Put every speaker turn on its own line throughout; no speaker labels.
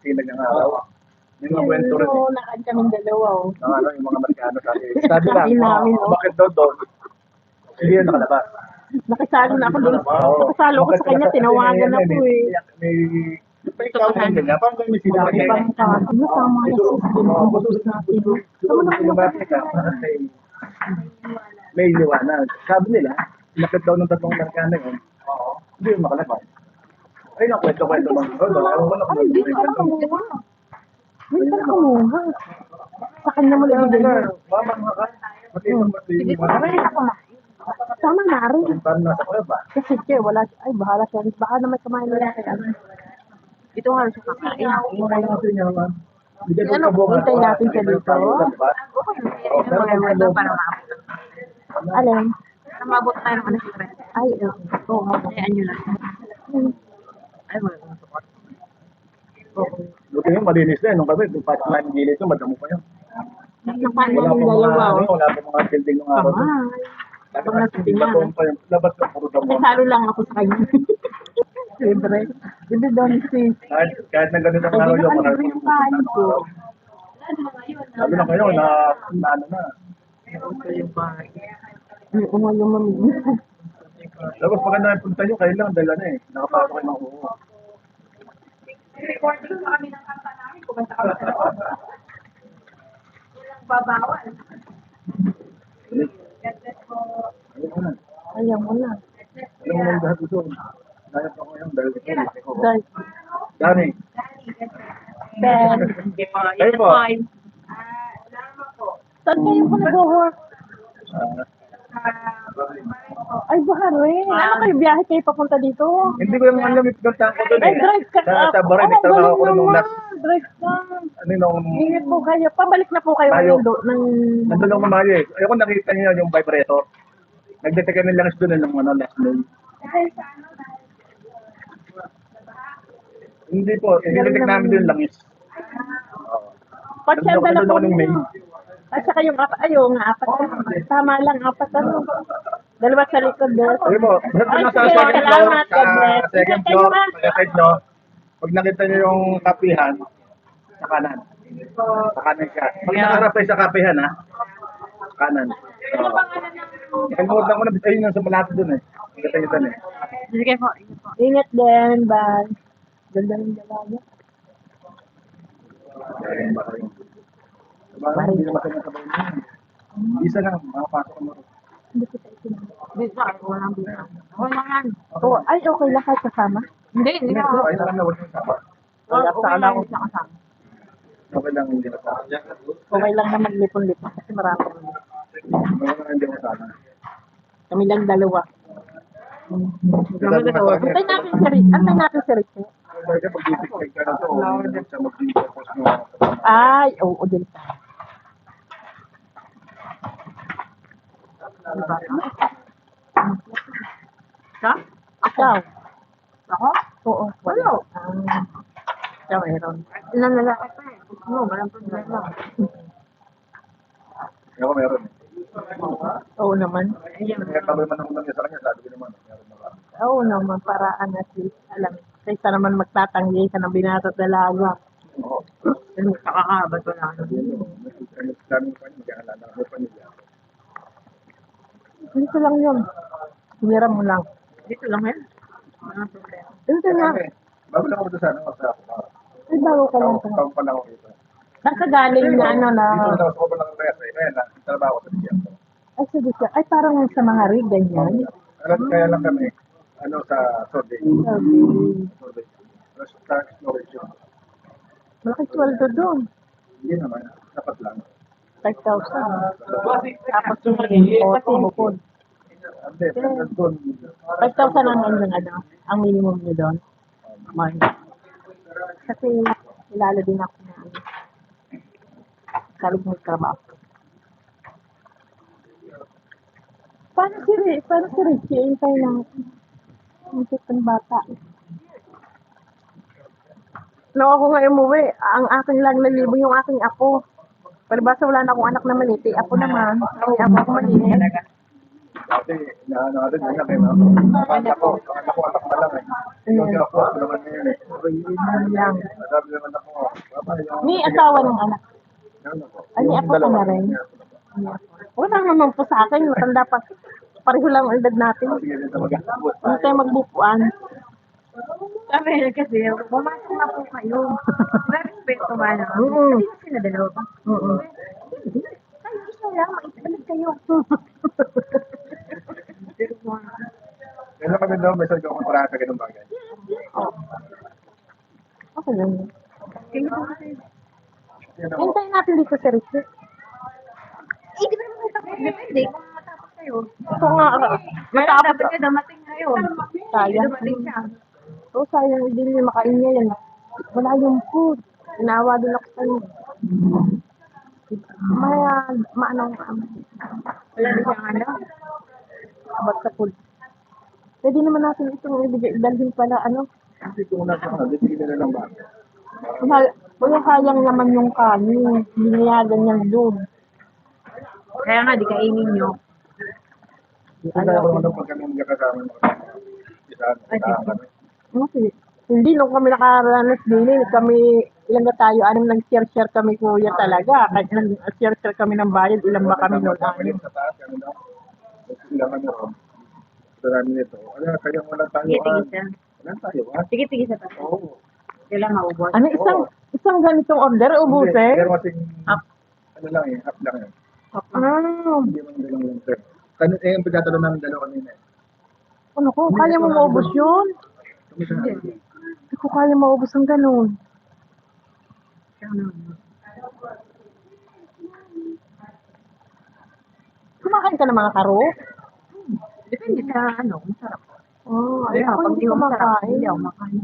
sinag ng araw. May mga kwento rin.
Oo, nakad kaming dalawa, oh.
Ng ano, yung mga Amerikano sabi. Sabi lang,
Sabi namin, no?
bakit daw doon? Hindi yan nakalabas.
Nakisalo na ako doon. Nakisalo ko sa kanya, tinawagan ako eh.
May ikaw lang ganyan. Parang may sinabi niya.
Parang sabi mo, tama na siya.
May liwanag. Sabi nila, nakit daw ng tatlong Amerikano yun. Hindi yung makalabas. Ay, kwento-kwento lang.
Ay, di ko alam kumuha. Hindi ka kumuha. Sa kanya mo lang ibigay.
Mama, ka. Sige,
Tama na rin.
parang nasa kuya ba?
Kasi siya, wala siya. Ay, bahala siya. Baka naman kumain na lang kaya. Ito nga rin siya kakain.
Kumain natin niya naman.
Ano, hintay natin siya dito. Alin?
Mabot tayo ng alas 3.
Ay, oo.
Hayaan nyo lang. Ay, wala nang support.
Buti yung malinis na yun. Nung kami, yung pati ng gilid ito, madamo pa yun.
Nakain
Wala
namin
pa
dalawa.
wala pa mga building ng araw. Baton pa yung labas ng puro damo.
Nasalo lang ako sa kanya. Libre. Hindi doon sis.
Kahit na ganun ang araw yung
Libre yung kain ko.
Lalo na kayo, na ano na.
Yung mamigil.
Tapos maganda yung punta nyo, kayo lang, dahil ano eh, nakapasok kayo ng uho.
Recording pa kami ng kanta namin. Kumanta kami sa loob. Walang babawal. God bless po.
Ayun na.
Ayaw mo na.
Alam mo lang lahat ito. Nayap ako ngayon dahil ito, laki ko.
Guys.
Dani.
Ben.
Kayo po.
Salamat po.
Saan kayo po nag-work? Ay, baka rin. Ano kayo, biyahe kayo papunta dito?
Hindi ko yung alam yung pinuntahan ko doon
Ay,
eh.
drive ka.
Sa Baray, nagtrabaho ko nung last,
Drive ka.
ano nung,
Ingat po kayo. Pabalik na po kayo
Tayo.
ng
nandun lang mamayo eh. Ayoko nakita niyo yung vibrator. Nagdetect kami lang doon ng ano, last May. Hindi po, i-detect namin doon langis.
Pasyenta na po
nung May.
ninyo. At saka yung apat, ayaw nga, apat. Tama lang, apat ano. Dalawa sa likod doon.
Sige po, basta
Ay,
nasa
sige,
second floor,
salamat, God bless.
sa second
Ingat kayo,
floor,
ha?
sa side nyo, pag nakita nyo yung kapihan, sa kanan. Sa kanan siya. Pag nakaharap kayo sa kapihan ha, sa kanan. Kalimutan ko na, ayun yung sa malapit dun eh. Nakita nyo dun eh.
Sige po.
Ingat din, bye. Ganda ng dalaga.
Diba, hindi naman kayo nasabay nyo. Isa lang, makapasok mo.
Bisa, walang bisa. Wala yan.
Oh, ay, okay lang kahit kasama.
Hindi, hindi na.
Ay, lang na, huwag yung sapa.
Okay lang ako sa kasama.
Okay lang, hindi masama.
Okay lang na maglipon-lipon kasi marami kami.
Okay lang, hindi masama.
Kami lang dalawa.
Sabi nga sa akin,
Antay natin si Rick. Antay natin si Rick.
Kasi pag titik ka na to, hindi siya mag-tapos mo.
Ay, oo, din pa.
Sa?
Ikaw?
Ako?
Oo.
Wala.
Ikaw, meron.
Ilan lalaki pa eh. No, walang problema.
Ako meron.
Oo naman.
Kaya kami man ang sa kanya, sabi ko naman, meron na kami.
Oo naman, paraan at least. Alam, kaysa naman magtatanggi ka ng binata at dalaga.
Oo.
Nakakabat ko lang.
Ano sa amin pa niya, magkakalala ako pa niya.
Dito lang yun. Hiniram mo lang.
Dito lang yan. Walang problema.
Dito lang.
Bago lang ako doon sa ano, sa ako.
Ay, bago ka lang.
Taong pa lang ako dito.
Nakagaling na ano na.
Dito na ako pa lang rest eh. Kaya na, trabaho ko sa diyan.
Ay, sige siya. Ay, parang sa mga rig, ganyan.
Kaya lang kami, ano sa survey.
Sabi,
Survey. Tapos sa exploration.
malaki sweldo doon.
Hindi naman, dapat lang.
5,000. Tapos yung pati bukod.
Hindi, doon.
5,000 ang ang minimum nyo doon. Man. Kasi kilala din ako na salig mo trabaho. Paano si Richie? Intay natin. Ang kitang bata. Nung ako nga umuwi, ang aking lang nalibo yung aking apo. Palibasa wala na akong anak na maliit. Apo naman. Ang apo ko maliit.
Kasi, inaano natin, yun lang, eh, no? Akala ko, anak pa lang, eh. Yung ako naman ngayon, eh.
Yun lang.
Sabi naman ako, papa, yung...
May asawa ng anak.
Ano po?
Ay, may
Yung
apo ka
dalawa,
na rin.
yung dalawa.
Wala naman po sa akin. Matanda pa. Pareho lang ang edad natin.
Sige, dito mag-abot.
Hindi tayo magbukuan.
Sabi niya kasi, pumasok na po kayo. May respeto man.
Oo.
Hindi na sila dalawa ba?
Oo.
Kayo isa lang, maitalag kayo.
Kaya kami daw, may sarili akong kontrata, ganun bagay.
Okay lang.
Kayo po kasi.
Yan ako.
Hintayin natin dito sa Ricky.
Eh, di ba naman matapos? Depende kung matapos kayo.
Ito nga, matapos.
Dapat ka dumating ngayon.
Sayang.
Dumating siya.
Oo, sayang hindi niya makain niya yan. Wala yung food. Inawa din ako sa'yo. Maanong
Wala na siyang ano.
abot sa food. Pwede naman natin itong ibigay. Dalhin pala, ano.
Kasi kung nasa ano, bibigyan nila lang ba?
Wala sayang naman yung kanin. Biniyagan niya doon.
Kaya nga, di kainin nyo.
Kaya ko naman daw pag kami magkakasama ng mga kami.
Okay. Hindi, nung kami nakaranas din, kami, ilang na tayo, anong nag-share-share kami kuya talaga. Kahit nag-share-share kami ng bayad, ilang ba kami noon? Anim.
Sa taas, ano daw? Ilang ano ron. Sa namin ito. Ano, kaya wala tayo.
Tigisa.
Wala tayo, ha?
Sige, tigisa pa.
Oo.
Kailan maubos.
Ano, isang ganitong order, ubusin?
Pero kasing, ano lang eh, half lang eh.
Ah,
Hindi man dalawang lang sir. Yung pagkatalo namin dalawa kanina eh.
ano ko, kaya mo maubos yun?
Kami sa
Hindi ko kaya maubos ang ganun. Kumakain ka ng mga karo?
Depende sa ano, masarap.
Oh, ay,
Kaya
ako
pag
hindi
di
ko
ko masarap,
makain.
hindi ako makain.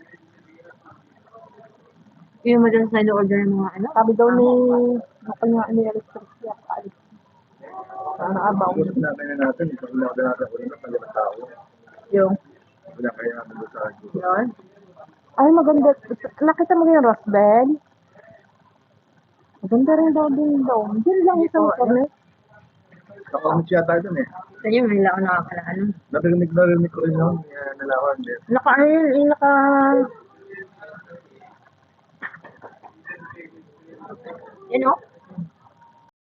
Yung madalas na order ng mga ano?
Sabi daw ni, ako nga ni electric siya, kaalis. Sana abaw.
Usap natin na natin, ito wala ka natin ako nila, pag tao.
Yung,
Wala kaya natin doon sa group.
Yun.
ay maganda, nakita mo yung rose bed? Maganda rin daw din daw. Diyan lang isang corner.
Nakamit siya tayo dun eh.
Sa inyo, may lang ako nakakalaan.
Narinig ko rin yung nalawan din.
Naka, ano yun, naka,
Yan o.